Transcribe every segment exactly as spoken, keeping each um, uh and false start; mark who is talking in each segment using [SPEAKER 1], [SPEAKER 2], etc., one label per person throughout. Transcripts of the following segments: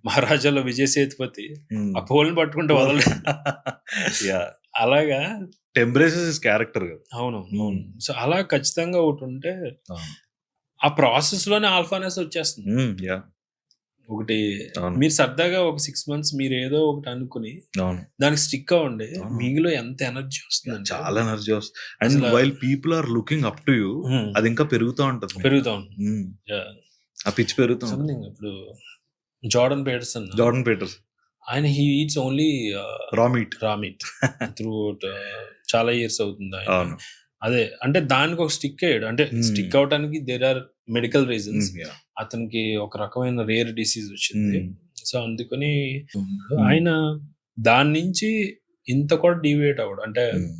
[SPEAKER 1] మహారాజాలో Vijay Sethupathi
[SPEAKER 2] Hmm.
[SPEAKER 1] ఆ పోల్ని పట్టుకుంటే వదలడు.
[SPEAKER 2] యా
[SPEAKER 1] అలాగా
[SPEAKER 2] ఎంబ్రేసెస్ హిస్ క్యారెక్టర్ కదా.
[SPEAKER 1] అవును అవును. సో అలా ఖచ్చితంగా ఒకటి ఉంటే
[SPEAKER 2] అవును.
[SPEAKER 1] ఆ ప్రాసెస్ లోనే ఆల్ఫానెస్ వచ్చేస్తుంది.
[SPEAKER 2] Hmm. యా
[SPEAKER 1] ఒకటి
[SPEAKER 2] అవును.
[SPEAKER 1] మీరు సరదాగా ఒక సిక్స్ మంత్స్ మీరు ఏదో ఒకటి అనుకుని
[SPEAKER 2] అవును.
[SPEAKER 1] దానికి స్టిక్ అవ్వండి,
[SPEAKER 2] అవును.
[SPEAKER 1] మీలో ఎంత ఎనర్జీ వస్తుంది
[SPEAKER 2] చాలా ఎనర్జీ వస్తుంది. అండ్
[SPEAKER 1] అసలు-
[SPEAKER 2] while people are looking up to you, అది ఇంకా పెరుగుతూ ఉంటుంది.
[SPEAKER 1] పెరుగుతా ఉంటుంది.
[SPEAKER 2] Hmm.
[SPEAKER 1] Yeah.
[SPEAKER 2] ఆ పిచ్ పెరుగుతూ ఉంటుంది.
[SPEAKER 1] Something ఇప్పుడు జార్డన్ పీటర్సన్
[SPEAKER 2] జార్డన్ పీటర్స్
[SPEAKER 1] ఆయన he eats only
[SPEAKER 2] raw meat.
[SPEAKER 1] Raw meat through చాలా ఇయర్స్ అవుతుంది ఆయన.
[SPEAKER 2] అవును.
[SPEAKER 1] అదే అంటే దానికి ఒక స్టిక్ అయ్యాడు, అంటే
[SPEAKER 2] Hmm.
[SPEAKER 1] స్టిక్ అవడానికి there are medical reasons.
[SPEAKER 2] Hmm. Yeah.
[SPEAKER 1] అతనికి ఒక రకమైన రేర్ డిసీజ్ వచ్చింది.
[SPEAKER 2] Hmm.
[SPEAKER 1] సో అందుకని
[SPEAKER 2] Hmm.
[SPEAKER 1] ఆయన దాని నుంచి ఇంత కూడా డీవియేట్ అవ్వడు. అంటే
[SPEAKER 2] Hmm.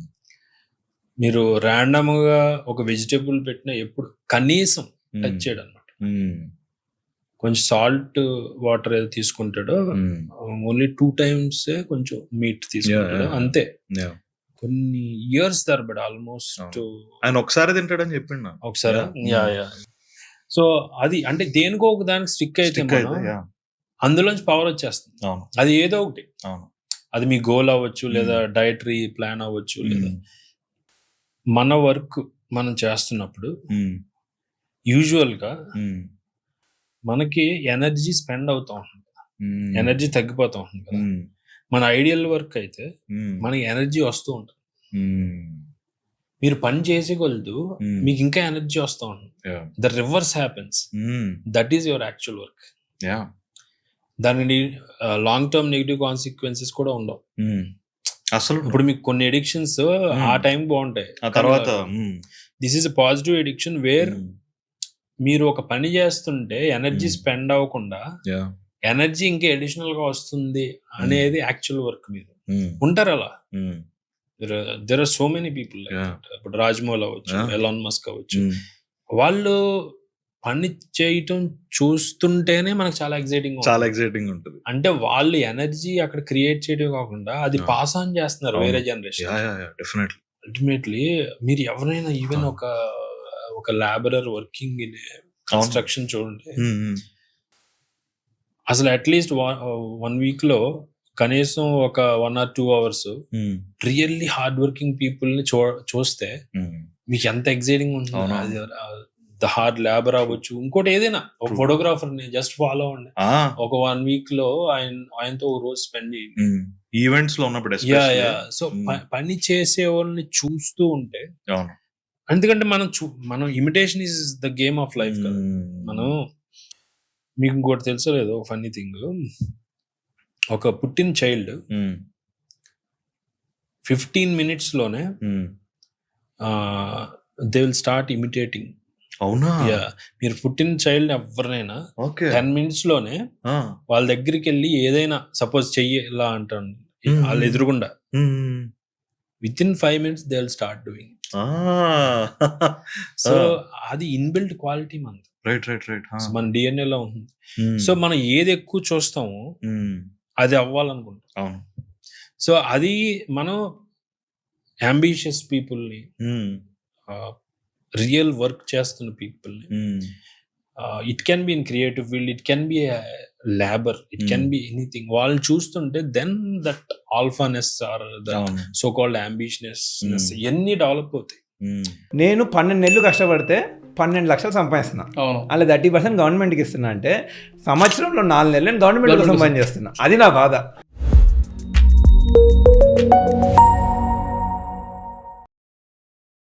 [SPEAKER 1] మీరు ర్యాండమ్ గా ఒక వెజిటేబుల్ పెట్టినా ఎప్పుడు కనీసం
[SPEAKER 2] Hmm.
[SPEAKER 1] టచ్ చేయడు అనమాట.
[SPEAKER 2] Hmm.
[SPEAKER 1] కొంచెం సాల్ట్ వాటర్ ఏదో తీసుకుంటాడో
[SPEAKER 2] Hmm.
[SPEAKER 1] ఓన్లీ టూ టైమ్స్ కొంచెం మీట్ తీసుకుంటాడు,
[SPEAKER 2] Yeah, yeah, yeah.
[SPEAKER 1] అంతే.
[SPEAKER 2] Yeah.
[SPEAKER 1] కొన్ని ఇయర్స్ తరబడి ఆల్మోస్ట్
[SPEAKER 2] ఆయన ఒకసారి తింటాడని చెప్పిండు నాకు.
[SPEAKER 1] ఒకసారి.
[SPEAKER 2] Yeah.
[SPEAKER 1] యా యా సో అది అంటే దేనికో ఒక దానికి స్టిక్ అయితే
[SPEAKER 2] Stick
[SPEAKER 1] మనం
[SPEAKER 2] అయితే, yeah.
[SPEAKER 1] అందులోంచి పవర్ వచ్చేస్తుంది.
[SPEAKER 2] అవును.
[SPEAKER 1] అది ఏదో ఒకటి,
[SPEAKER 2] అవును.
[SPEAKER 1] అది మీ గోల్ అవ్వచ్చు, లేదా డైటరీ ప్లాన్ అవ్వచ్చు, లేదా
[SPEAKER 2] Hmm.
[SPEAKER 1] మన వర్క్ మనం చేస్తున్నప్పుడు
[SPEAKER 2] Hmm.
[SPEAKER 1] యూజువల్ గా
[SPEAKER 2] Hmm.
[SPEAKER 1] మనకి ఎనర్జీ స్పెండ్ అవుతా ఉంటుంది,
[SPEAKER 2] Hmm.
[SPEAKER 1] ఎనర్జీ తగ్గిపోతా ఉంటుంది కదా.
[SPEAKER 2] Hmm.
[SPEAKER 1] మన ఐడియల్ వర్క్ అయితే
[SPEAKER 2] Hmm.
[SPEAKER 1] మనకి ఎనర్జీ వస్తూ ఉంటుంది.
[SPEAKER 2] Hmm.
[SPEAKER 1] మీరు పని చేసేకొలదు
[SPEAKER 2] Hmm.
[SPEAKER 1] మీకు ఇంకా ఎనర్జీ వస్తూ ఉంటుంది.
[SPEAKER 2] Yeah.
[SPEAKER 1] The reverse happens,
[SPEAKER 2] Hmm.
[SPEAKER 1] That is your actual work.
[SPEAKER 2] Yeah.
[SPEAKER 1] దాని లాంగ్ టర్మ్ నెగిటివ్ కాన్సిక్వెన్సెస్ కూడా ఉండవు.
[SPEAKER 2] Hmm. అసలు
[SPEAKER 1] ఇప్పుడు మీకు కొన్ని ఎడిక్షన్స్ ఆ టైం బాగుంటాయి,
[SPEAKER 2] ఆ తర్వాత Hmm.
[SPEAKER 1] This is a positive addiction where
[SPEAKER 2] Hmm.
[SPEAKER 1] మీరు ఒక పని చేస్తుంటే ఎనర్జీ
[SPEAKER 2] Hmm.
[SPEAKER 1] స్పెండ్ అవ్వకుండా
[SPEAKER 2] Yeah.
[SPEAKER 1] ఎనర్జీ ఇంకా అడిషనల్ గా వస్తుంది అనేది యాక్చువల్ వర్క్. మీరు
[SPEAKER 2] Hmm.
[SPEAKER 1] ఉంటారు అలా.
[SPEAKER 2] Hmm.
[SPEAKER 1] There are so many people.
[SPEAKER 2] Yeah.
[SPEAKER 1] ఇప్పుడు రాజ్మౌల్ అవ్వచ్చు,
[SPEAKER 2] Yeah.
[SPEAKER 1] ఎలాన్ మస్క్ అవ్వచ్చు,
[SPEAKER 2] Hmm.
[SPEAKER 1] వాళ్ళు పని చేయటం చూస్తుంటేనే మనకు చాలా ఎక్సైటింగ్.
[SPEAKER 2] చాలా ఎక్సైటింగ్ ఉంటుంది.
[SPEAKER 1] అంటే వాళ్ళు ఎనర్జీ అక్కడ క్రియేట్ చేయడం కాకుండా అది
[SPEAKER 2] Yeah.
[SPEAKER 1] పాస్ ఆన్ చేస్తున్నారు
[SPEAKER 2] అవును.
[SPEAKER 1] వేరే generation.
[SPEAKER 2] Yeah yeah yeah definitely.
[SPEAKER 1] Ultimately మీరు ఎవరైనా ఈవెన్
[SPEAKER 2] Ah.
[SPEAKER 1] ఒక ఒక లేబరర్ వర్కింగ్ ఇన్ కన్స్ట్రక్షన్ చూడండి, అసలు అట్లీస్ట్ వన్ వీక్ లో కనీసం ఒక one or two hours really hard working people ని చూ చూస్తే మీకు ఎంత ఎక్సైటింగ్ ఉంటుంది.
[SPEAKER 2] అవును.
[SPEAKER 1] ద హార్డ్ లేబర్ అవ్వచ్చు, ఇంకోటి ఏదైనా. ఒక ఫోటోగ్రాఫర్ ని జస్ట్ ఫాలో అవ్వండి, ఒక వన్ వీక్ లో ఆయన ఆయనతో ఒక రోజు స్పెండ్ చేయండి.
[SPEAKER 2] ఈవెంట్స్ లో ఉన్నప్పుడు
[SPEAKER 1] yeah
[SPEAKER 2] especially.
[SPEAKER 1] Yeah so
[SPEAKER 2] Mm.
[SPEAKER 1] పని చేసే వాళ్ళని చూస్తూ ఉంటే,
[SPEAKER 2] అవును.
[SPEAKER 1] ఎందుకంటే మనం చూ మనం imitation is the game of life కదా.
[SPEAKER 2] Mm.
[SPEAKER 1] మనం మీకు ఇంకోటి తెలుసో లేదో ఫన్నీ థింగ్, ఒక పుట్టిన చైల్డ్
[SPEAKER 2] Mm.
[SPEAKER 1] ఫిఫ్టీన్ మినిట్స్ లోనే
[SPEAKER 2] Mm.
[SPEAKER 1] They will start imitating.
[SPEAKER 2] అవునా?
[SPEAKER 1] యా మీరు పుట్టిన చైల్డ్ ఎవరినైనా
[SPEAKER 2] ఓకే.
[SPEAKER 1] టెన్ మినిట్స్ లోనే వాళ్ళ దగ్గరికి వెళ్ళి ఏదైనా సపోజ్ చెయ్యి ఇలా అంటాను,
[SPEAKER 2] Mm.
[SPEAKER 1] వాళ్ళు ఎదురుగుండా within five minutes they will start doing. So అది ఇన్బిల్ట్ క్వాలిటీ మనది,
[SPEAKER 2] రైట్ రైట్ రైట్.
[SPEAKER 1] మన డిఎన్ఏ లో ఉంటుంది. సో మనం ఏది ఎక్కువ చూస్తామో అది అవ్వాలనుకుంటాం.
[SPEAKER 2] అవును.
[SPEAKER 1] సో అది మనం అంబిషియస్ పీపుల్ని, రియల్ వర్క్ చేస్తున్న పీపుల్ని, it can be in creative field, it can be labour, it can be anything, వాళ్ళని చూస్తుంటే then that alphaness or that so called ambitious ఎన్ని డెవలప్ అవుతాయి.
[SPEAKER 3] నేను పన్నెండు నెలలు కష్టపడితే పన్నెండు లక్షలు సంపాదిస్తున్నా, అలా థర్టీ పర్సెంట్ గవర్నమెంట్కి ఇస్తున్నా అంటే సంవత్సరంలో నాలుగు నెలలు నేను గవర్నమెంట్ సంపాదన చేస్తున్నా. అది నా బాధ.